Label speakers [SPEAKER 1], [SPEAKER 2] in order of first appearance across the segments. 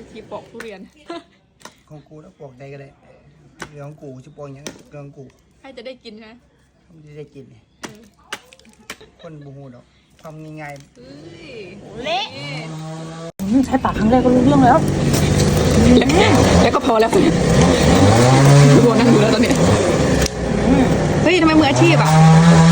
[SPEAKER 1] ที่ปอกทุเรียน
[SPEAKER 2] ของกูแล้วปอกใดก็ได้เรื่องของกูจะปอกอย่างเรื่องของกู
[SPEAKER 1] ให้จะได้กินใช่ไหม
[SPEAKER 2] ไม่ได้กินเนี่ยคนบูฮูดอกทำง่าย
[SPEAKER 1] เฮ้ย
[SPEAKER 3] เละใช้ปากครั้งแรกก็รู้เรื่องแล้ว
[SPEAKER 1] แล้วก็พอแล้วทุกคนนั่งดูแล้วตอนนี้เฮ้ยทำไมมืออาชีพอ่ะ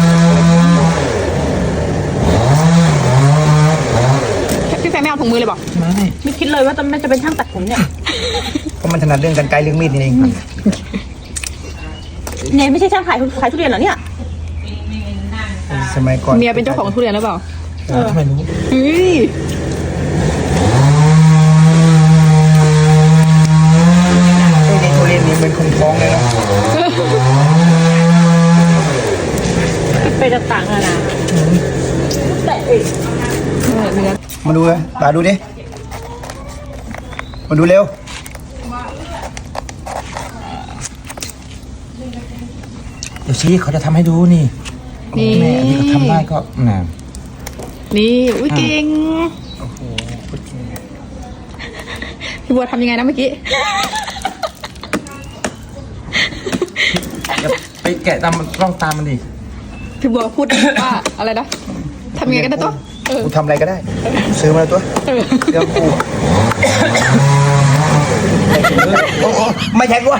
[SPEAKER 1] พี่แฟนไม่เอาถุงมือเลยบอก
[SPEAKER 3] ไม่คิดเลยว่ามันจะเป็นช่างตัดผมเนี่ย
[SPEAKER 2] ๆเพราะมันถนัดเรื่องกันไกลเรื่องมีดนี่เอง
[SPEAKER 3] เนี่ยไม่ใช่ช่างขายทุเรียนเหรอเนี่ย
[SPEAKER 2] สมัยก่อน
[SPEAKER 1] เมียเป็นเจ้าของทุเรียนหรือเปล่า
[SPEAKER 2] ทำไมรู้
[SPEAKER 1] เฮ้ย
[SPEAKER 2] ในทุเรียนนี่เป็นคนท้องเลยเนาะ
[SPEAKER 3] ไปจะต่างกันนะแต่เอ้ย
[SPEAKER 1] เนื้อ
[SPEAKER 2] มาดูเลยตาดูดิมาดูเร็วเดี๋ยวชี้เขาจะทำให้ดูนี่
[SPEAKER 1] นี่
[SPEAKER 2] แม่อันนี้เขาทำได้ก็น่ะ
[SPEAKER 1] นี่อุ้ยเก่ง
[SPEAKER 2] โอ้โหพูดจริง
[SPEAKER 1] พี่บัวทำยังไงนะเมื่อกี้
[SPEAKER 4] ไปแกะตามร่องตามมันดิ
[SPEAKER 1] พี่บัวพูดว่าอะไรนะทำยังไงกันนะตัวเออ
[SPEAKER 2] กูทำอะไรก็ได้ ซื้อมาแล้วตัวเรื่องกูโอ้โหไม่ใช่กู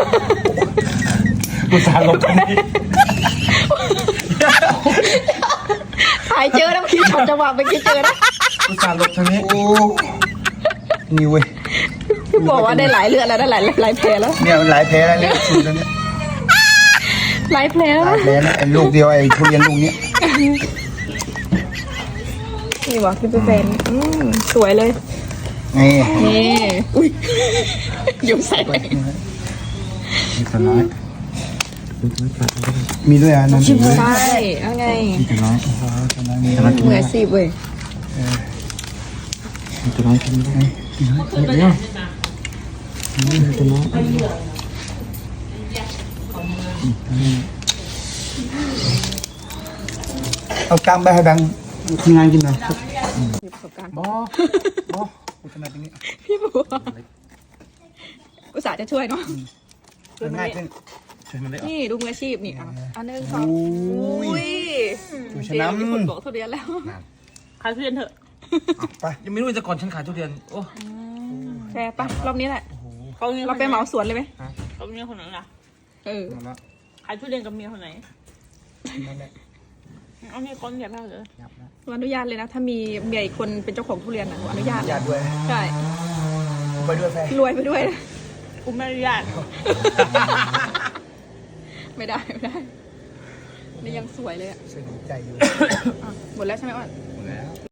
[SPEAKER 4] กูสารลบตรงนี้
[SPEAKER 1] ถ่ายเจอนะเมื่อกี้ช็อตจังหวะเมื่อกี้เจอนะ
[SPEAKER 4] กูสารลบทางนี้
[SPEAKER 2] โอ้นี่เว้ย
[SPEAKER 1] พี่บอกว่าได้หลายเลือดแล้วได้หลายแผลแล้ว
[SPEAKER 2] เนี่ยมันหลายแพ้แล้วเนี่ยสูตรแล้วเนี่ย
[SPEAKER 1] หลายแผลแล้ว
[SPEAKER 2] หลายแพ้นะไอ้ลูกเดียวไอ้ทุเรียนลูกเนี้ย
[SPEAKER 1] นี่บอกพี่เป็นแฟนสวยเลย
[SPEAKER 2] นี่
[SPEAKER 1] นี่อุ้ยยุ่งใส่ไป
[SPEAKER 4] มีตัวน้อย
[SPEAKER 2] มีด้วยอ่ะนั่น
[SPEAKER 1] ใช่เอาไง
[SPEAKER 4] มีตัวน้อย
[SPEAKER 1] มืออาชีพเว้ย
[SPEAKER 4] มีตัวน้อยกินได้เนี่ยมีตัวน้อย
[SPEAKER 2] เอากล้ามไปให้แบงค์ทีมงานกินหน่อย
[SPEAKER 1] มีประสบการณ์
[SPEAKER 4] บอ
[SPEAKER 2] กูถนัดตรงนี้
[SPEAKER 1] พี่บัวอุตส่าห์จะช่วยเนาะ
[SPEAKER 2] ง่ายขึ้น
[SPEAKER 4] ช่วยมันได้
[SPEAKER 1] นี่ดูมืออาชีพนี่อ่ะอันหนึ่งสอง
[SPEAKER 2] อุ้ย
[SPEAKER 1] อุ้ย
[SPEAKER 2] ชนะ
[SPEAKER 1] มีคนบอกทุเรียนแล้ว
[SPEAKER 3] ขายทุเรียนเถอะ
[SPEAKER 2] ไป
[SPEAKER 4] ยังไม่รู้จะก่อนฉันขายทุเรียนโอ้
[SPEAKER 1] แฟร์ปะรอบนี้แหละ
[SPEAKER 3] เขาเมีย
[SPEAKER 1] เราไปเหมาสวนเลยไหม
[SPEAKER 3] เขาเมียคนไหนล่ะ
[SPEAKER 1] เออ
[SPEAKER 4] มาแล้ว
[SPEAKER 3] ขายทุเรียนกับเมียคนไหน
[SPEAKER 2] นั่นแหละ
[SPEAKER 3] เอาเมียคนเดียวเท่าเลย
[SPEAKER 1] หนูอนุญาตเลยนะ ถ้ามีเมียอีกคนเป็นเจ้าของทุเรียนนะหนูอนุญาต
[SPEAKER 2] ญาติด้วย
[SPEAKER 1] ใช่
[SPEAKER 2] ไปด้วยแฟน
[SPEAKER 1] รวยไปด้วยนะ
[SPEAKER 3] กูไม่อนุญาต
[SPEAKER 1] ไม่ได้ไม่ได้นี่ยังสวยเลยอ่ะ
[SPEAKER 2] สนิทใจอยู่
[SPEAKER 1] อ่ะหมดแล้วใช่ไหมอ้อน
[SPEAKER 4] หมดแล้ว